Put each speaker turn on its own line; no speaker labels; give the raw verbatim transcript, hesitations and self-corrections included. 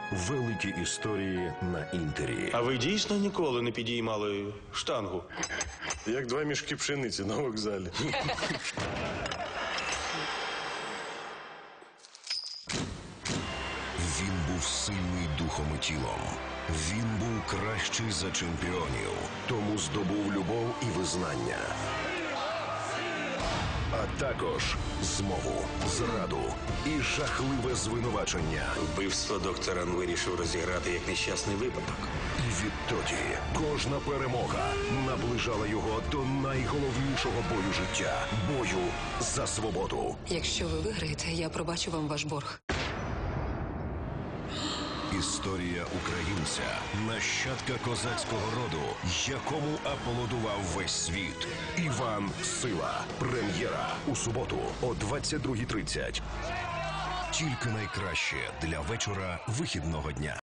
Великі історії на Інтері.
А ви дійсно ніколи не підіймали штангу?
Як два мішки пшениці на вокзалі.
Він був сильний духом і тілом. Він був кращий за чемпіонів. Тому здобув любов і визнання. А також змову, зраду і жахливе звинувачення.
Вбивство доктора вирішив розіграти як нещасний випадок.
І відтоді кожна перемога наближала його до найголовнішого бою життя – бою за свободу.
Якщо ви виграєте, я пробачу вам ваш борг.
Історія українця, нащадка козацького роду, якому аплодував весь світ. Іван Сила. Прем'єра у суботу о двадцять другій тридцять. Тільки найкраще для вечора вихідного дня.